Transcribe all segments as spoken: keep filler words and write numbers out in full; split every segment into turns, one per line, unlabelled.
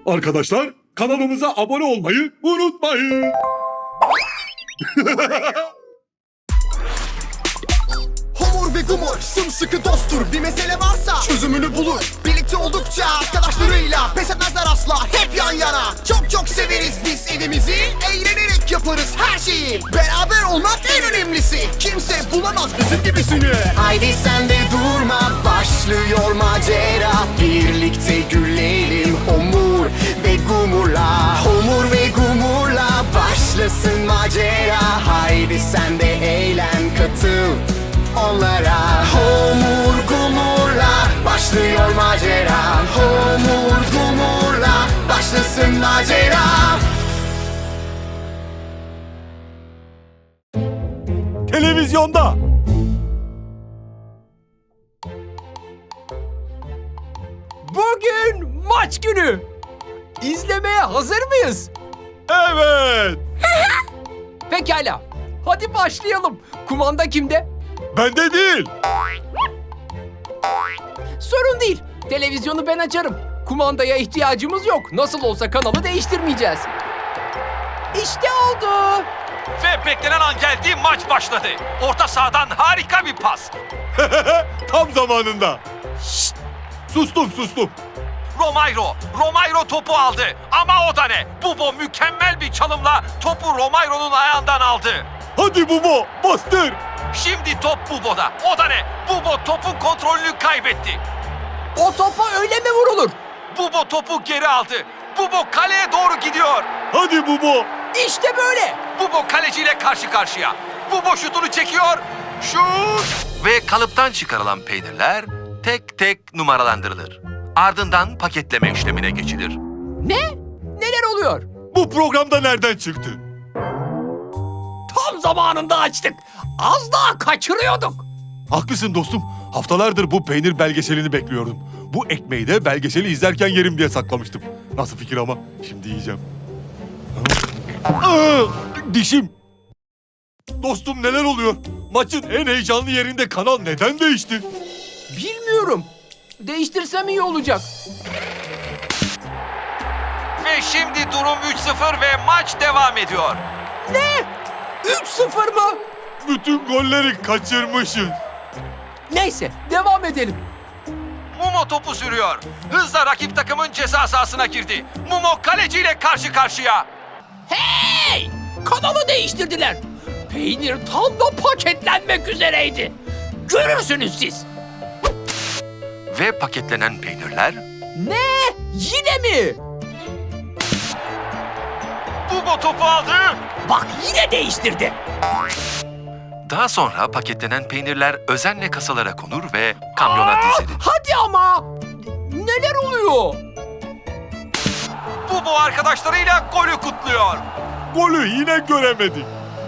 Arkadaşlar kanalımıza abone olmayı unutmayın.
Homur ve Gumur sımsıkı dosttur. Bir mesele varsa çözümünü bulur. Birlikte oldukça arkadaşlarıyla pes etmezler asla, hep yan yana. Çok çok severiz biz evimizi, eğlenerek yaparız her şeyi. Beraber olmak en önemlisi, kimse bulamaz bizim gibisini. Haydi sen de durma, başlıyor macera. Birlikte gülelim Homur ve Gumur'la. Homur ve Gumur'la başlasın macera. Haydi sen de eğlen, katıl onlara. Homur Gumur'la başlıyor macera. Homur Gumur'la başlasın macera.
Televizyonda.
Bugün maç günü. İzlemeye hazır mıyız?
Evet.
Pekala. Hadi başlayalım. Kumanda kimde?
Bende değil.
Sorun değil. Televizyonu ben açarım. Kumandaya ihtiyacımız yok. Nasıl olsa kanalı değiştirmeyeceğiz. İşte oldu.
Ve beklenen an geldi, maç başladı. Orta sahadan harika bir pas.
Tam zamanında. Şşt. Sustum sustum.
Romairo, Romairo topu aldı. Ama o da ne? Bubo mükemmel bir çalımla topu Romairo'nun ayağından aldı.
Hadi Bubo bastır.
Şimdi top Bubo'da. O da ne? Bubo topun kontrolünü kaybetti.
O topa öyle mi vurulur?
Bubo topu geri aldı. Bubo kaleye doğru gidiyor.
Hadi Bubo.
İşte böyle.
Bubo kaleciyle karşı karşıya. Bubo şutunu çekiyor. Şut! Ve kalıptan çıkarılan peynirler tek tek numaralandırılır. Ardından paketleme işlemine geçilir.
Ne? Neler oluyor?
Bu programda nereden çıktı?
Tam zamanında açtık. Az daha kaçırıyorduk.
Haklısın dostum. Haftalardır bu peynir belgeselini bekliyordum. Bu ekmeği de belgeseli izlerken yerim diye saklamıştım. Nasıl fikir ama? Şimdi yiyeceğim. Aa, dişim. Dostum neler oluyor? Maçın en heyecanlı yerinde kanal neden değişti?
Bilmiyorum. Değiştirsem iyi olacak.
Ve şimdi durum üç sıfır ve maç devam ediyor.
Ne? üç sıfır mı?
Bütün golleri kaçırmışız.
Neyse, devam edelim.
Mumo topu sürüyor. Hızla rakip takımın ceza sahasına girdi. Mumo kaleciyle karşı karşıya.
Hey! Kanalı değiştirdiler. Peynir tam da paketlenmek üzereydi. Görürsünüz siz.
Ve paketlenen peynirler
Ne? Yine mi?
Bubo topu aldı.
Bak yine değiştirdi.
Daha sonra paketlenen peynirler özenle kasalara konur ve kamyona dizilir.
Hadi ama. Neler oluyor?
Bubo arkadaşlarıyla golü kutluyor.
Golü yine göremedik.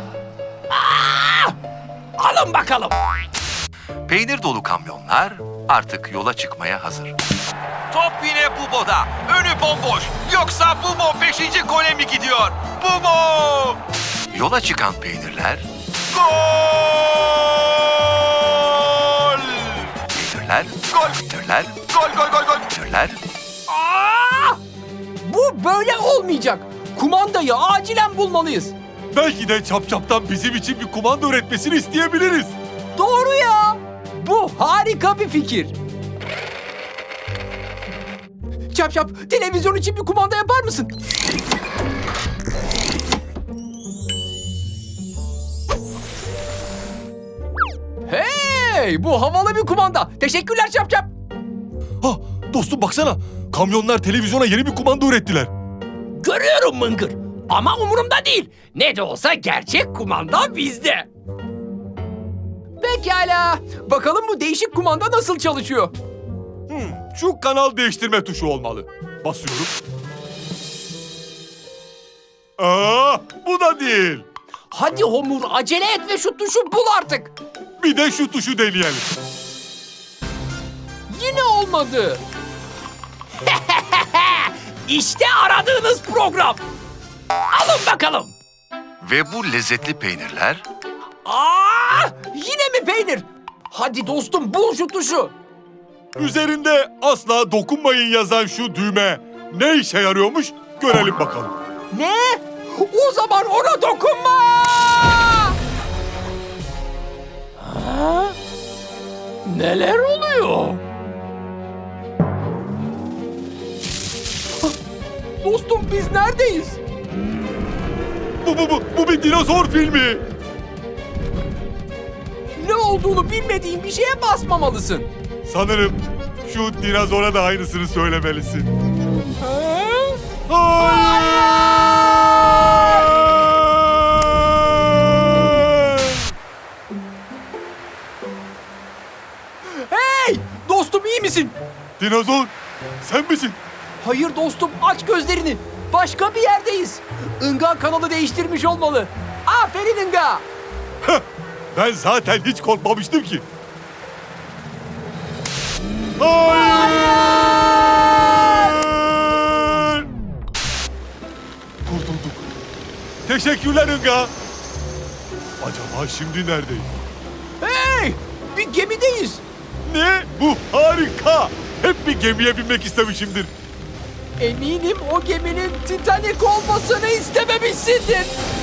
Alın bakalım.
Peynir dolu kamyonlar artık yola çıkmaya hazır. Top yine Bubo'da. Önü bomboş. Yoksa Bubo beşinci gole mi gidiyor? Bubo! Yola çıkan peynirler gol! Peynirler gol! Peynirler gol gol gol gol! Peynirler
Aa! Bu böyle olmayacak. Kumandayı acilen bulmalıyız.
Belki de Çapçap'tan bizim için bir kumanda üretmesini isteyebiliriz.
Doğru ya. Bu harika bir fikir. Çap çap, televizyon için bir kumanda yapar mısın? Hey, bu havalı bir kumanda. Teşekkürler Çap çap.
Ha dostum baksana. Kamyonlar televizyona yeni bir kumanda ürettiler.
Görüyorum Mıngır. Ama umurumda değil. Ne de olsa gerçek kumanda bizde. Pekala. Bakalım bu değişik kumanda nasıl çalışıyor?
Hmm, şu kanal değiştirme tuşu olmalı. Basıyorum. Aa, bu da değil.
Hadi Homur acele et ve şu tuşu bul artık.
Bir de şu tuşu deneyelim.
Yine olmadı. İşte aradığınız program. Alın bakalım.
ve bu lezzetli peynirler
Aa, yine mi peynir? Hadi dostum bul şu tuşu.
Üzerinde asla dokunmayın yazan şu düğme ne işe yarıyormuş görelim bakalım.
Ne? O zaman ona dokunma! Ha? Neler oluyor? Dostum biz neredeyiz?
Bu, bu, bu, bu bir dinozor filmi.
Ne olduğunu bilmediğin bir şeye basmamalısın.
Sanırım şu dinozora da aynısını söylemelisin.
Ha? Hey! Dostum iyi misin?
Dinozor, sen misin?
Hayır dostum aç gözlerini. Başka bir yerdeyiz. Inga kanalı değiştirmiş olmalı. Aferin Inga.
Heh, ben zaten hiç korkmamıştım ki. Hayır! Kurtulduk. Teşekkürler Inga. Acaba şimdi neredeyiz?
Hey! Bir gemideyiz.
Ne? Bu harika. Hep bir gemiye binmek istemişimdir.
Eminim o geminin Titanic olmasını istememişsindir.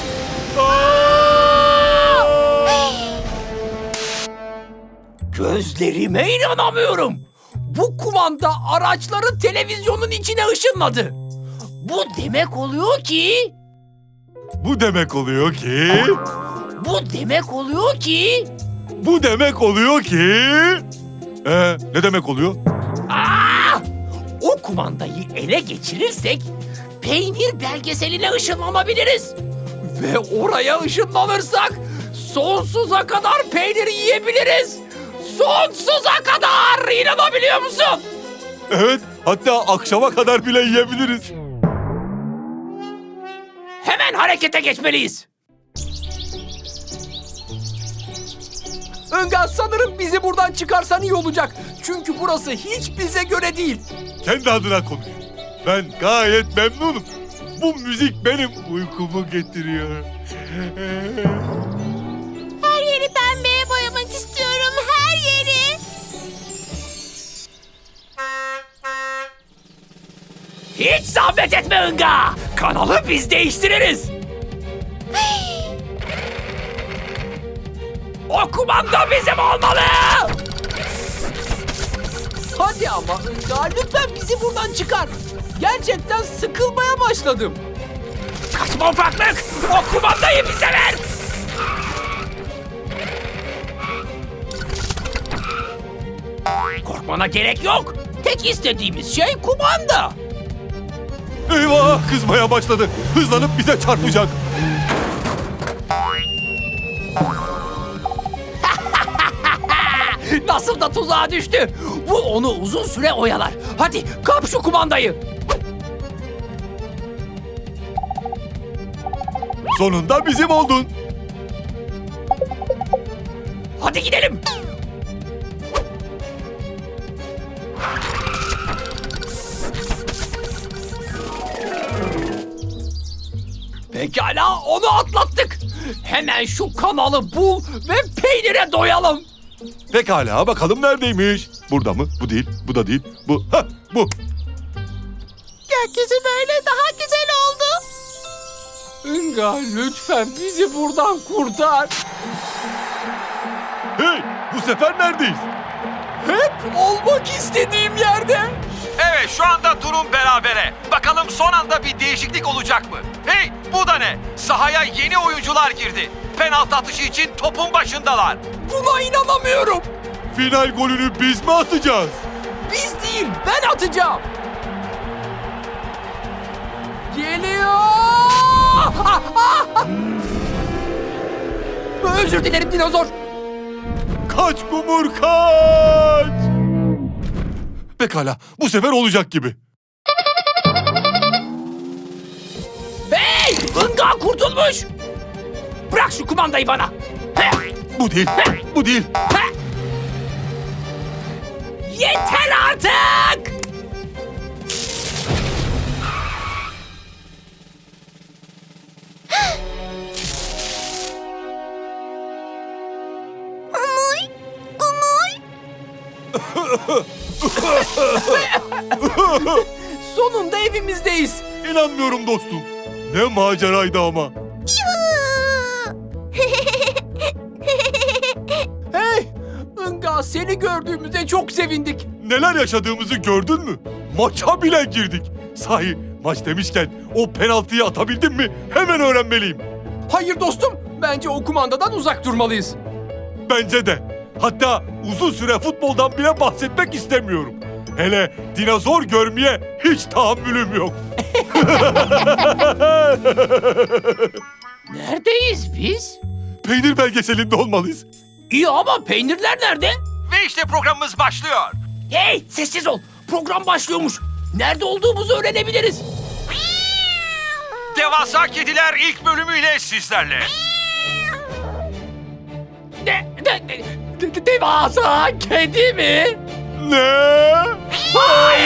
Gözlerime inanamıyorum. Bu kumanda araçları televizyonun içine ışınladı. Bu demek oluyor ki...
Bu demek oluyor ki...
Bu demek oluyor ki...
Bu demek oluyor ki... Ee, ne demek oluyor?
Aa! O kumandayı ele geçirirsek peynir belgeseline ışınlanabiliriz. Ve oraya ışınlanırsak sonsuza kadar peynir yiyebiliriz. Sonsuza kadar! İnanabiliyor musun?
Evet, hatta akşama kadar bile yiyebiliriz.
Hemen harekete geçmeliyiz. Inga sanırım bizi buradan çıkarsan iyi olacak. Çünkü burası hiç bize göre değil.
Kendi adına konuş. Ben gayet memnunum. Bu müzik benim uykumu getiriyor.
Her yeri pembeye boyamak istiyorum, her yeri.
Hiç zahmet etme Inga. Kanalı biz değiştiririz. O kumanda bizim olmalı. Hadi ama Inga lütfen bizi buradan çıkar. Gerçekten sıkılmaya başladım. Kaçma ufaklık. O kumandayı bize ver. Korkmana gerek yok. Tek istediğimiz şey kumanda.
Eyvah, kızmaya başladı. Hızlanıp bize çarpacak.
Nasıl da tuzağa düştü. Bu onu uzun süre oyalar. Hadi kap şu kumandayı.
Sonunda bizim oldun.
Hadi gidelim. Pekala onu atlattık. Hemen şu kanalı bul ve peynire doyalım.
Pekala, bakalım neredeymiş? Burada mı? Bu değil, bu da değil. Bu, ha, bu.
Gökyüzü böyle daha güzel oldu.
Inga lütfen bizi buradan kurtar.
Hey, bu sefer neredeyiz?
Hep olmak istediğim yerde.
Evet, şu anda durum berabere. Bakalım son anda bir değişiklik olacak mı? Hey, bu da ne? Sahaya yeni oyuncular girdi. Penaltı atışı için topun başındalar.
Buna inanamıyorum.
Final golünü biz mi atacağız?
Biz değil, ben atacağım. Geliyor. Ah, ah, ah. Özür dilerim dinozor.
Kaç Gumur, kaç! Pekala, bu sefer olacak gibi.
Hey! Inga kurtulmuş. Bırak şu kumandayı bana. Heh,
Bu değil, bu değil.
heh. Yeter artık.
Umuy, umuy.
Sonunda evimizdeyiz.
İnanmıyorum dostum. Ne maceraydı ama.
Hey! Inga, seni gördüğümüzde çok sevindik.
Neler yaşadığımızı gördün mü? Maça bile girdik. Sahi maç demişken o penaltıyı atabildin mi? Hemen öğrenmeliyim.
Hayır dostum, bence o kumandadan uzak durmalıyız.
Bence de. Hatta uzun süre futboldan bile bahsetmek istemiyorum. Hele dinozor görmeye hiç tahammülüm yok.
Neredeyiz biz?
Peynir belgeselinde olmalıyız.
İyi ama peynirler nerede?
Ve işte programımız başlıyor.
Hey, sessiz ol. Program başlıyormuş. Nerede olduğumuzu öğrenebiliriz.
Devasa Kediler ilk bölümüyle sizlerle.
De, de, de, de- devasa kedi mi?
Ne?
Hayır!